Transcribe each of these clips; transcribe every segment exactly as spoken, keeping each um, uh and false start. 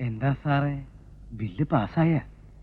എന്താ സാറേ, ബില്ല് പാസ്സായ?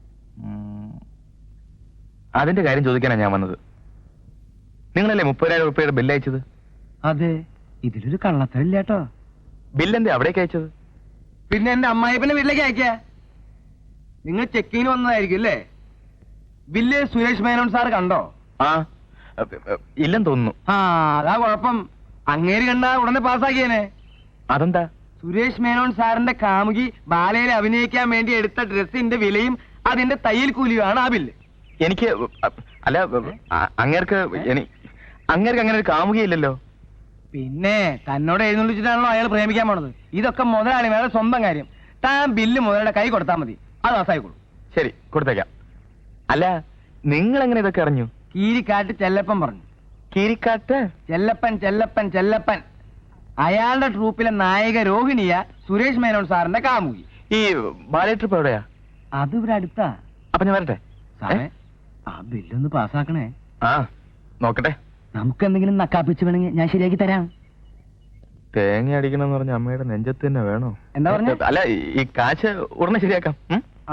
അതിന്റെ കാര്യം ചോദിക്കാനാണ് ഞാൻ വന്നത്. നിങ്ങളല്ലേ മുപ്പതിനായിരം രൂപയുടെ ബില്ല് അയച്ചത്? അതെ, ഇതിലൊരു കള്ളത്തരില്ല കേട്ടോ. ബില്ലെന്തേ അവിടേക്ക് അയച്ചത്? പിന്നെ എന്റെ അമ്മായിപ്പന്റെ വീട്ടിലേക്ക് അയക്ക. നിങ്ങൾ ചെക്കിങ്ങിന് വന്നതായിരിക്കും അല്ലേ? ബില്ല് സുരേഷ് മേനോൻ സാർ കണ്ടോ? ആ, ഇല്ലെന്ന് തോന്നുന്നു. ആ, അതാ കുഴപ്പം. അങ്ങേര് കണ്ട ഉടനെ പാസ്സാക്കിയേനെ. അതെന്താ? സുരേഷ് മേനോൻ സാറിന്റെ കാമുകി ബാലയിൽ അഭിനയിക്കാൻ വേണ്ടി എടുത്ത ഡ്രസ്സിന്റെ വിലയും അതിന്റെ തയ്യൽ കൂലിയുമാണ് ആ ബില്ല്. എനിക്ക് അല്ല, അങ്ങേർക്ക് അങ്ങേർക്ക് അങ്ങനെ ഒരു കാമുകയില്ലല്ലോ. പിന്നെ തന്നോട് എഴുന്നള്ളിച്ചിട്ടാണല്ലോ അയാൾ പ്രേമിക്കാൻ പോണത്. ഇതൊക്കെ മുതലാളിമാരുടെ സ്വന്തം കാര്യം. താൻ ബില്ല് മുതലാളിയുടെ കൈ കൊടുത്താൽ മതി, അത് പാസ്സായിക്കോളൂ. ശരി, കൊടുത്തേക്കാം. അല്ല, നിങ്ങൾ എങ്ങനെ ഇതൊക്കെ അറിഞ്ഞു? കീരിക്കാട്ട് ചെല്ലപ്പൻ പറഞ്ഞു. കീരിക്കാട്ട് ചെല്ലപ്പൻ ചെല്ലപ്പൻ ചെല്ലപ്പൻ അയാളുടെ ട്രൂപ്പിലെ നായിക രോഹിണിയ സുരേഷ് മേനോൻ സാറിന്റെ കാമുകി. ഈ ബാലേ ട്രിപ്പ് എവിടെയാ? അത് ഇവിടെ അടുത്താ. അപ്പൊ ഞാൻ വരട്ടെ? സാറേ, ആ ബില്ലൊന്ന് പാസ്സാക്കണേ. ആ, നോക്കട്ടെ. നമുക്ക് എന്തെങ്കിലും നക്കാപ്പിച്ച് വേണമെങ്കിൽ ഞാൻ ശരിയാക്കി തരാം. തേങ്ങ അടിക്കണമെന്ന് പറഞ്ഞ അമ്മയുടെ നെഞ്ചത്ത് തന്നെ വേണോ? എന്താ പറഞ്ഞ? അല്ല, ഈ കാശ് ഉടനെ ശരിയാക്കാം. ആ,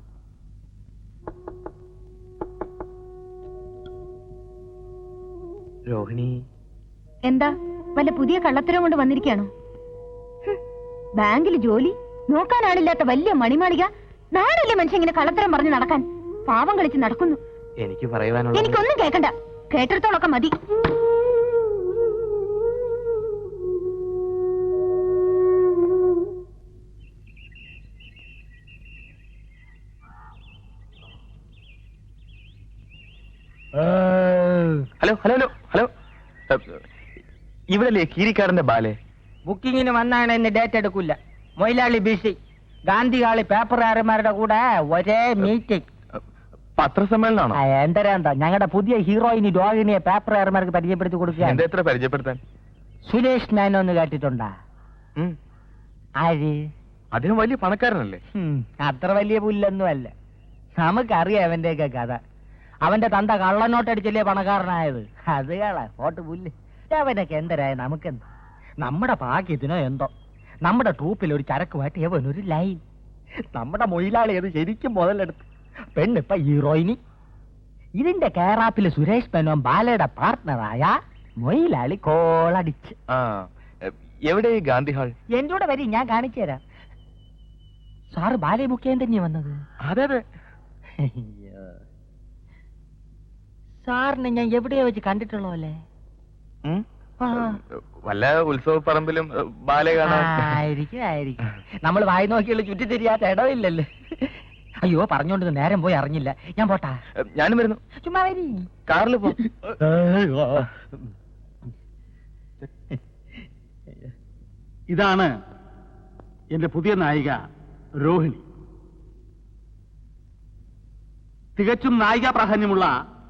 രോഹിണി എന്താ വല്ല പുതിയ കള്ളത്തരം കൊണ്ട് വന്നിരിക്കുകയാണോ? ബാങ്കിൽ ജോലി നോക്കാനാളില്ലാത്ത വലിയ മണിമാളിക. നാടല്ലേ മനുഷ്യൻ ഇങ്ങനെ കള്ളത്തരം പറഞ്ഞ് നടക്കാൻ? പാവം കളിച്ച് നടക്കുന്നു. എനിക്ക് പറയുവാനുള്ള എനിക്കൊന്നും കേൾക്കണ്ട, കേട്ടിടത്തോളൊക്കെ മതി. ഹലോ ഹലോ ഹലോ ഹലോ ഇവിടല്ലേ കീരിക്കാരന്റെ ബാലെ? ബുക്കിങ്ങിന് വന്നാണ് എന്നെ ഡേറ്റ് എടുക്കില്ല. മൊയിലാളി ബിസി. ഗാന്ധികാളി പേപ്പറുകാരന്മാരുടെ കൂടെ ഒരേ മീറ്റിംഗ്. പത്രസമ്മേളനാണോ? എന്തരാ എന്താ ഞങ്ങളുടെ പുതിയ ഹീറോയിനി രോഹിണിയെ പേപ്പറുകാരന്മാർക്ക് പരിചയപ്പെടുത്തി കൊടുക്കുക. എന്താ എത്ര പരിചയപ്പെടുത്താൻ? സുരേഷ് മേനോൻ എന്ന് കേട്ടിട്ടുണ്ടാ? ആര്? അദ്ദേഹം വലിയ പണക്കാരനല്ലേ? അത്ര വലിയ പുല്ലൊന്നും അല്ല. നമുക്കറിയാം അവന്റെയൊക്കെ കഥ. അവന്റെ തന്ത കള്ളനോട്ടടിച്ചല്ലേ പണക്കാരനായത്. അത് കള ഓട്ട് പുല്ല്. അവനൊക്കെ എന്തരായ നമുക്കെന്താ? നമ്മുടെ ഭാഗ്യത്തിനോ എന്തോ നമ്മുടെ ട്രൂപ്പിൽ ഒരു ചരക്കുമായിട്ട് എവനൊരു ലൈൻ. നമ്മുടെ മൊയിലാളി അത് ശരിക്കും മുതലെടുത്ത്. പെണ്ണിപ്പ ഹീറോയിനി. ഇതിന്റെ കേറാപ്പില് സുരേഷ് മേനോൻ ബാലയുടെ പാർട്ട്ണറായ മൊയിലാളി കോളടിച്ച്. എവിടെ ഗാന്ധി ഹാൾ? എന്റെ കൂടെ വരി, ഞാൻ കാണിച്ചു തരാം. സാറ് ബാലയെ ബുക്ക് ചെയ്യാൻ തന്നെയാ വന്നത്? അതെ അതെ. സാറിനെ ഞാൻ എവിടെയോ വെച്ച് കണ്ടിട്ടുള്ളോ അല്ലേ? വല്ല ഉത്സവ പറമ്പിലും ബാലെ കാണാൻ. ആയിരിക്കും ആയിരിക്കും. നമ്മൾ വായി നോക്കിയുള്ള ചുറ്റി തിരിയാത്ത ഇടവില്ലല്ലോ. അയ്യോ, പറഞ്ഞോണ്ട് നേരം പോയി അറിഞ്ഞില്ല. ഞാൻ പോട്ടാ. ഞാനും വരുന്നു. ചുമ്മാ വരി. കാറിൽ പോ. ഇതാണ് എന്റെ പുതിയ നായിക രോഹിണി. തികച്ചും നായിക പ്രാധാന്യമുള്ള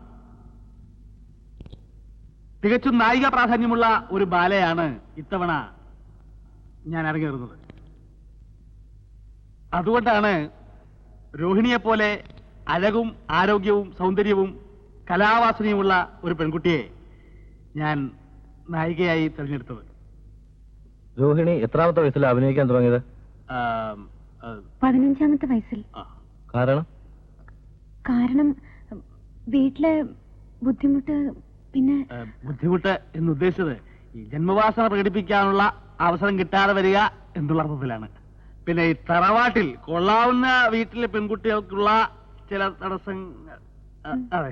തികച്ചും നായിക പ്രാധാന്യമുള്ള ഒരു ബാലയാണ് ഇത്തവണ ഞാൻ ഇറങ്ങിയിരുന്നത്. അതുകൊണ്ടാണ് രോഹിണിയെ പോലെ അഴകും ആരോഗ്യവും സൗന്ദര്യവും കലാവാസനയുമുള്ള ഒരു പെൺകുട്ടിയെ ഞാൻ നായികയായി തിരഞ്ഞെടുത്തത്. രോഹിണി എത്രാമത്തെ വയസ്സിൽ അഭിനയിക്കാൻ തുടങ്ങിയത്? പതിനഞ്ചാമത്തെ വയസ്സിൽ. കാരണം കാരണം വീട്ടിലെ ബുദ്ധിമുട്ട്. പിന്നെ ബുദ്ധിമുട്ട് എന്ന് ഉദ്ദേശിച്ചത് ഈ ജന്മവാസന പ്രകടിപ്പിക്കാനുള്ള അവസരം കിട്ടാതെ വരിക എന്നുള്ള അർത്ഥത്തിലാണ്. പിന്നെ ഈ തറവാട്ടിൽ കൊള്ളാവുന്ന വീട്ടിലെ പെൺകുട്ടികൾക്കുള്ള ചില തടസ്സങ്ങൾ. അതെ.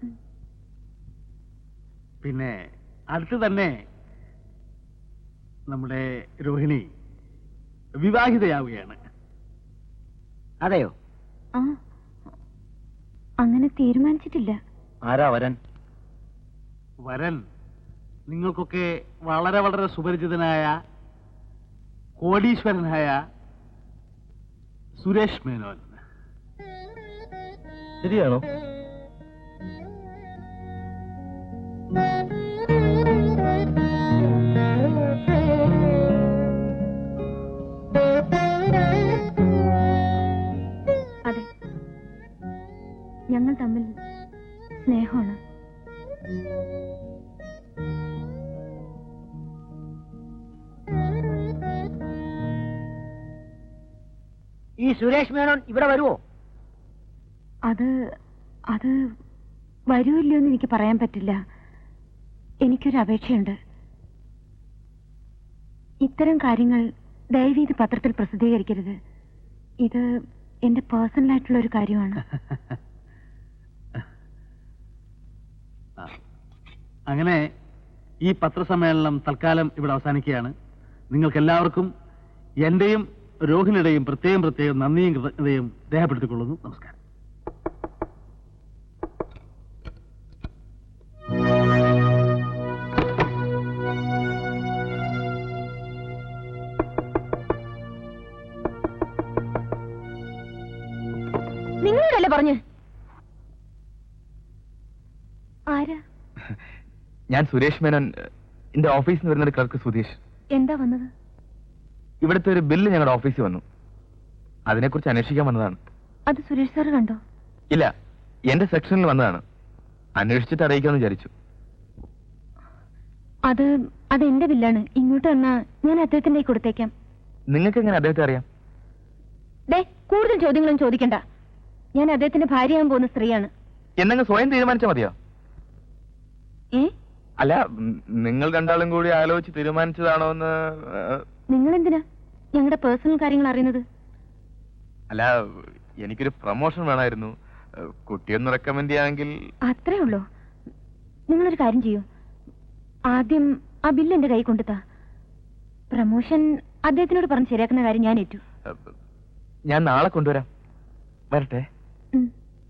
പിന്നെ അടുത്ത് തന്നെ നമ്മുടെ രോഹിണി വിവാഹിതയാവുകയാണ്. അതെയോ? ആ, അങ്ങനെ തീരുമാനിച്ചിട്ടില്ല. ആരാ വരൻ? വരൻ നിങ്ങൾക്കൊക്കെ വളരെ വളരെ സുപരിചിതനായ കോടീശ്വരനായ സുരേഷ് മേനോൻ. ശരിയാണോ? അതെ, ഞങ്ങൾ തമ്മിൽ സ്നേഹമാണ്. ഈ സുരേഷ് മേനോൻ ഇവിടെ വരുവോ? അത് അത് വരുമല്ലോ എന്ന് എനിക്ക് പറയാൻ പറ്റില്ല. എനിക്കൊരു അപേക്ഷയുണ്ട്. ഇത്തരം കാര്യങ്ങൾ ദയവീത് പത്രത്തിൽ പ്രസിദ്ധീകരിക്കരുത്. ഇത് എന്റെ പേഴ്സണൽ ആയിട്ടുള്ള ഒരു കാര്യമാണ്. അങ്ങനെ ഈ പത്രസമ്മേളനം തൽക്കാലം ഇവിടെ അവസാനിക്കുകയാണ്. നിങ്ങൾക്ക് എല്ലാവർക്കും എന്റെയും രോഹിണിയുടെയും പ്രത്യേകം പ്രത്യേകം നന്ദിയും കൃതജ്ഞതയും രേഖപ്പെടുത്തിക്കൊള്ളുന്നു. നമസ്കാരം. നിങ്ങളോടല്ലേ പറഞ്ഞു? ആരാ? ഞാൻ സുരേഷ് മേനോൻ, എന്റെ ഓഫീസിൽ നിന്ന് വരുന്ന ഒരു ക്ലർക്ക് സുധീഷ്. എന്താ വന്നത്? ഇവിടുത്തെ ഒരു ബില്ല് ഞങ്ങളുടെ ഓഫീസിൽ വന്നു. അതിനെക്കുറിച്ച് അന്വേഷിക്കാൻ വന്നതാണ്. അത് സുരേഷ് സാറ് കണ്ടോ? ഇല്ല, എന്റെ സെക്ഷനിൽ വന്നതാണ്. അന്വേഷിച്ചിട്ട് അറിയിക്കാമെന്ന് വിചാരിച്ചു. അത് അത് എന്റെ ബില്ലാണ്. ഇങ്ങോട്ട് വന്നാ ഞാൻ അദ്ദേഹത്തിന്റെ കയ്യിൽ കൊടുത്തേക്കാം. നിങ്ങൾക്ക് എങ്ങനെ അദ്ദേഹത്തെ അറിയാം? ദേ, കൂടുതൽ ചോദ്യങ്ങളും ചോദിക്കണ്ട. ഞാൻ അദ്ദേഹത്തിന്റെ ഭാര്യയാകാൻ പോകുന്ന സ്ത്രീയാണ്. എന്നങ്ങ് സ്വയം തീരുമാനിച്ചാൽ മതിയോ? ഏ? അല്ല, ഉം, നിങ്ങൾ രണ്ടാളും കൂടി ആലോചിച്ച് തീരുമാനിച്ചതാണോ എന്ന്. നിങ്ങൾ എന്തിനാ ഞങ്ങളുടെ പേഴ്സണൽ കാര്യങ്ങൾ അറിയുന്നത്? അല്ല, എനിക്കൊരു പ്രൊമോഷൻ വേണമായിരുന്നു. കുട്ടിയൊന്ന് റെക്കമെൻഡ് ചെയ്യാമെങ്കിൽ. അത്രേ ഉള്ളൂ. നിങ്ങളൊരു കാര്യം ചെയ്യൂ. ആദ്യം ആ ബില്ല് എന്റെ കൈ കൊണ്ടുതാ. പ്രമോഷൻ അദ്ദേഹത്തിനോട് പറഞ്ഞ് ശരിയാക്കുന്ന കാര്യം ഞാൻ ഏറ്റു. ഞാൻ നാളെ കൊണ്ടുവരാം. വരട്ടെ. ഉം.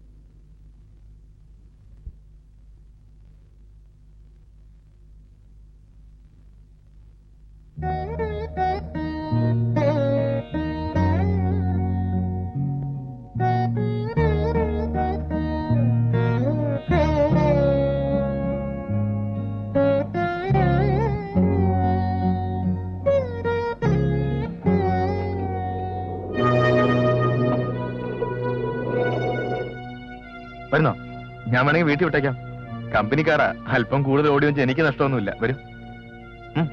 വരുന്നോ? ഞാൻ വേണമെങ്കിൽ വീട്ടിൽ വിട്ടേക്കാം. കമ്പനിക്കാരാ, അല്പം കൂടുതൽ ഓടി വെച്ച് എനിക്ക് നഷ്ടമൊന്നുമില്ല. വരും. ഉം.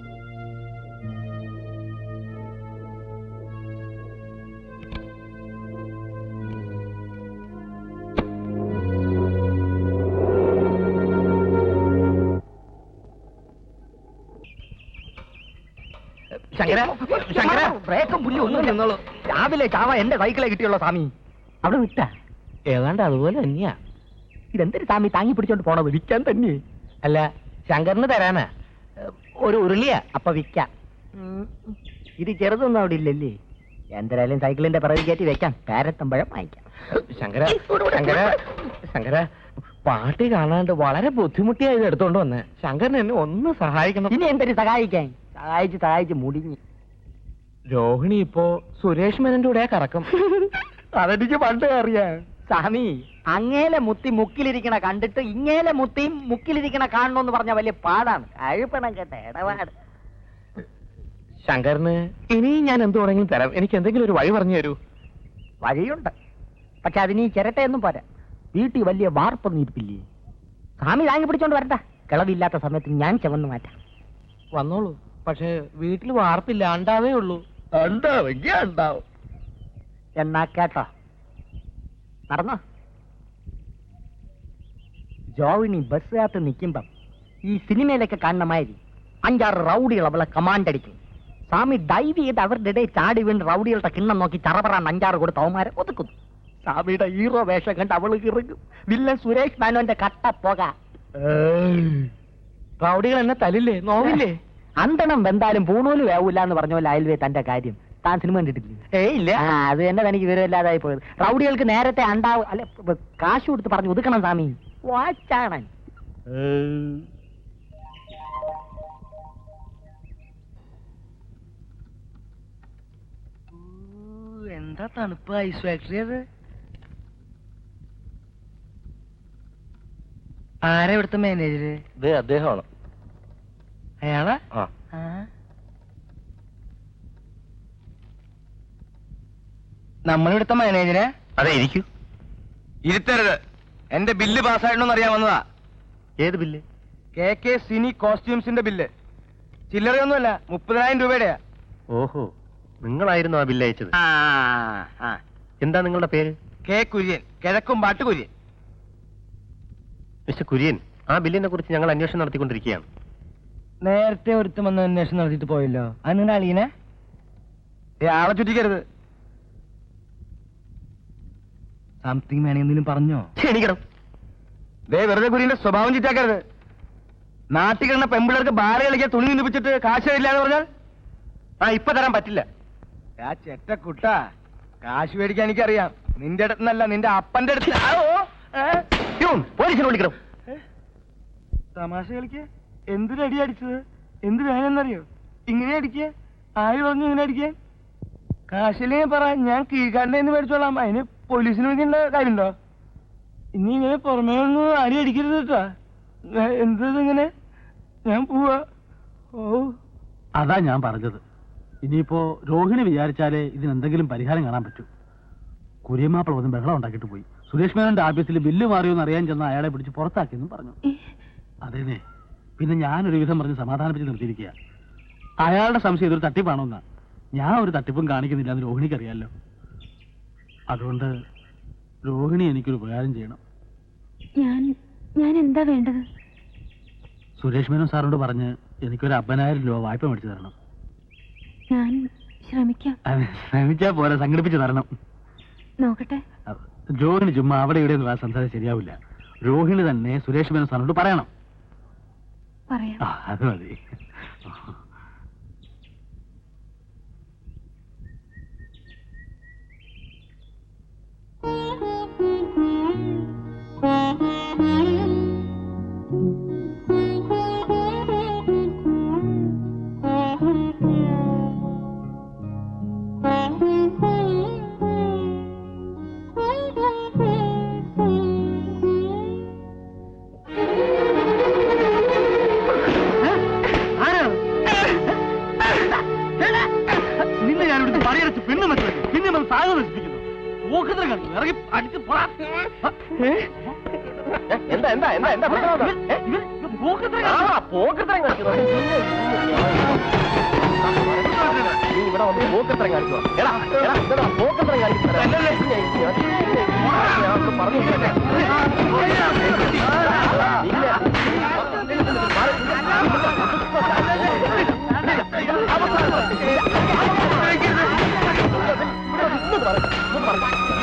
ശങ്കര, ശങ്കര, ബ്രേക്കും പുല്ലും ഒന്നും നിന്നോളൂ. രാവിലെ ചാവ എന്റെ സൈക്കിളെ കിട്ടിയുള്ള സ്വാമി. അവിടെ വിട്ട ഏതാണ്ട് അതുപോലെ തന്നെയാ. ഇതെന്തൊരു സ്വാമി താങ്ങി പിടിച്ചോണ്ട് പോണത്? വിൽക്കാൻ തന്നെ. അല്ല, ശങ്കറിന് തരാനാ. ഒരു ഉരുളിയാ, അപ്പൊ വിൽക്കാം. ഇത് ചെറുതൊന്നും അവിടെ ഇല്ലല്ലേ? എന്തായാലും സൈക്കിളിന്റെ പിറകിൽ കയറ്റി വെക്കാം. കാരത്തമ്പഴം വാങ്ങിക്കാം. ശങ്കര, ശങ്കര, ശങ്കര, പാട്ടി കാണാണ്ട് വളരെ ബുദ്ധിമുട്ടിയായത് എടുത്തോണ്ട് വന്ന്. ശങ്കരൻ എന്നെ ഒന്ന് സഹായിക്കണം. ഇനി എന്തൊരു സഹായിക്കാൻ? സഹായിച്ച് സഹായിച്ച് മുടിഞ്ഞു. രോഹിണി ഇപ്പോ സുരേഷ് മേനന്റെ കൂടെ കറക്കം. അതെനിക്ക് പണ്ടേ അറിയാം. സ്വാമി, അങ്ങേലെ മുത്തി മുക്കിലിരിക്കണ കണ്ടിട്ട് ഇങ്ങേലെ മുത്തിയും മുക്കിലിരിക്കണ കാണണമെന്ന് പറഞ്ഞ വലിയ പാടാണ്. അഴുപ്പണം കേട്ട ഇടപാട്. ശങ്കറിന് ഇനിയും ഞാൻ എന്ത് വേണമെങ്കിലും തരാം. എനിക്ക് എന്തെങ്കിലും ഒരു വഴി പറഞ്ഞു തരൂ. വഴിയുണ്ട്, പക്ഷെ അതിന് ഈ ചിരട്ടയൊന്നും പോരാ. വീട്ടിൽ വലിയ വാർപ്പൊന്നും ഇരിപ്പില്ലേ? സ്വാമി താങ്ങി പിടിച്ചോണ്ട് വരണ്ട. കിളവില്ലാത്ത സമയത്ത് ഞാൻ ചുമന്ന് മാറ്റാം. വന്നോളൂ. പക്ഷെ വീട്ടിൽ വാർപ്പില്ല, ഉണ്ടാവേ ഉള്ളൂ. ഉണ്ടാവെങ്കിൽ ഉണ്ടാവും. എന്നാ കേട്ടോ, നടന്നോ. ജോവിനി ബസ്സിനകത്ത് നിൽക്കുമ്പം ഈ സിനിമയിലൊക്കെ കാണുന്ന മാതിരി അഞ്ചാറ് റൗഡികൾ അവളെ കമാൻഡ് അടിക്കും. സ്വാമി ഡൈവ് ചെയ്ത് അവരുടെ ഇടയിൽ ചാടി വീണ് റൗഡികളുടെ കിണ്ണം നോക്കി ചറപറാൻ അഞ്ചാറ് കൊടുത്ത് അവന്മാരെ ഒതുക്കുന്നു. സ്വാമിയുടെ ഹീറോ വേഷം കണ്ട് അവള് ഇറങ്ങും. വില്ലൻ സുരേഷ് മേനോന്റെ കട്ട പോക. റൗഡികൾ എന്നെ തലില്ലേ, നോവില്ലേ? അന്തണം വെന്താലും പൂണൂല് വേവൂല എന്ന് പറഞ്ഞ പോലെ അയൽവേ തന്റെ കാര്യം. താൻ സിനിമ കണ്ടിട്ടില്ലേ? ഏ ഇല്ല. അത് തന്നെ തനിക്ക് വിവരമില്ലാതായി പോയത്. റൗഡികൾക്ക് നേരത്തെ അണ്ടാവ് അല്ല കാശ് കൊടുത്ത് പറഞ്ഞു ഒതുക്കണം സ്വാമി. വാച്ചാണ്. എന്താ തണുപ്പ് ഐസ് ഫാക്ടറി അത്? ആരാ ഇവിടുത്തെ മാനേജര്? ഇത് അദ്ദേഹമാണ്. അയാളാ? നമ്മളിവിടുത്തെ മാനേജരെ? അതെ, ഇരിക്കൂ. ഇരുത്തരുത്. എന്റെ ബില്ല് പാസ്സായിട്ടോന്ന് അറിയാൻ വന്നതാ. ഏത് ബില്ല്? കെ കെ സിനി കോസ്റ്റ്യൂംസിന്റെ ബില്ല്. ചില്ലറയൊന്നുമല്ല, മുപ്പതിനായിരം രൂപയുടെയാ. ഓഹോ, നിങ്ങളായിരുന്നു ആ ബില്ല് അയച്ചത്. ആ ആ എന്താ നിങ്ങളുടെ പേര്? കെ കുര്യൻ, കിഴക്കും പാട്ട് കുര്യൻ. മിസ്റ്റർ കുര്യൻ, ആ ബില്ലിനെ കുറിച്ച് ഞങ്ങൾ അന്വേഷണം നടത്തിക്കൊണ്ടിരിക്കുകയാണ്. നേരത്തെ ഒരുത്തം വന്ന് അന്വേഷണം നടത്തിയിട്ട് പോയല്ലോ. അത് നിങ്ങളുടെ അളിയനെ? ഏ, ആളെ ചുറ്റിക്കരുത്. സംതിങ് വേണമെങ്കിൽ എന്തെങ്കിലും പറഞ്ഞോ? ക്ഷണിക്കണം. ദേ വെറുതെ കുര്യന്റെ സ്വഭാവം ചുറ്റാക്കരുത്. നാട്ടിൽ കിടന്ന പെമ്പിള്ളേർക്ക് ബാല കളിക്കാൻ തുണി നിന്നിപ്പിച്ചിട്ട് കാശ് തരില്ല എന്ന് പറഞ്ഞാൽ ആ ഇപ്പൊ തരാൻ പറ്റില്ല. ആ ചെറ്റ കുട്ടാ, കാശ് മേടിക്കാൻ എനിക്കറിയാം. നിന്റെ അടുത്തുനിന്നല്ല, നിന്റെ അപ്പന്റെ അടുത്ത്. ആ, ഓ, ഏ? പ്യൂൺ, പോലീസിനെ വിളിക്കണം. തമാശ കളിക്ക. എന്തിനടി അടിച്ചത്? എന്ത് വേണമെന്നറിയോ? ഇങ്ങനെ അടിക്കുക? ആര് പറഞ്ഞു ഇങ്ങനെ അടിക്കാൻ? കാശിലേ പറ, ഞാൻ കീഴ്ക്കാരൻ്റെ മേടിച്ചോളാം. അതിന് പോലീസിന് വിളിക്കേണ്ട കാര്യമുണ്ടോ? ഇനി ഇങ്ങനെ പുറമേ ഒന്നും ആരും അടിക്കരുത് കേട്ടാ. എന്തത് ഇങ്ങനെ? ഞാൻ പോവാ. ഓ, അതാ ഞാൻ പറഞ്ഞത്. ഇനിയിപ്പോ രോഹിണി വിചാരിച്ചാലേ ഇതിനെന്തെങ്കിലും പരിഹാരം കാണാൻ പറ്റൂ. കുര്യമാപ്പിള ഒന്നും ബഹളം ഉണ്ടാക്കിയിട്ട് പോയി. സുരേഷ് മേനോന്റെ ആഫീസിൽ ബില്ല് മാറിയോന്ന് അറിയാൻ ചെന്ന അയാളെ പിടിച്ച് പുറത്താക്കിയെന്നും പറഞ്ഞു. അതേനെ, പിന്നെ ഞാനൊരു വിധം പറഞ്ഞ് സമാധാനിപ്പിച്ച് നിർത്തിയിരിക്കുക. അയാളുടെ സംശയം ഇതൊരു തട്ടിപ്പാണോന്നാ. ഞാൻ ഒരു തട്ടിപ്പും കാണിക്കുന്നില്ല എന്ന് രോഹിണിക്ക് അറിയാലോ. അതുകൊണ്ട് രോഹിണി എനിക്കൊരു ഉപകാരം ചെയ്യണം. ഞാൻ ഞാൻ എന്താ വേണ്ടത്? സുരേഷ് മേനോൻ സാറിനോട് പറഞ്ഞ് എനിക്കൊരു അമ്പതിനായിരം രൂപ വായ്പ മേടിച്ചു തരണം. ഞാൻ ശ്രമിക്കാം. അത് ശ്രമിച്ചാ പോലെ സംഘടിപ്പിച്ച് തരണം. നോക്കട്ടെ. രോഹിണി ചുമ്മാ അവിടെ ഇവിടെ ഒന്നും സംസാരം ശരിയാവില്ല. രോഹിണി തന്നെ സുരേഷ് മേനോൻ സാറിനോട് പറയണം. പറയാം. ആ, അത് മതി. നിന്നെ ഞാനിവിടുത്തെ പണിയടച്ച് പെണ്ണ് വെച്ചു പിന്നെ നമ്മൾ സാധന നശിപ്പിക്കുന്നു. ഊഹത്തിന് കാണിക്കുന്നു. ഇറങ്ങി അടിച്ച് പോടാ. എന്താ എന്താ എന്താ എന്താ പ്രശ്നം എന്താ? ഏ? ഇവൻ ഇവൻ ഊഹത്തിന് ആ, കാണിക്കുന്നു. പോക്കത്തരം കാണിക്കുന്നു. നീ ഇവിടെ വന്ന് പോക്കത്തരം കാണിക്കുവാ. എടാ, എടാ, ഇതെടാ, പോക്കത്തരം കാണിക്കുന്നത്. ഞാൻ അവരോട് പറഞ്ഞു കേട്ടെ. ഇല്ല.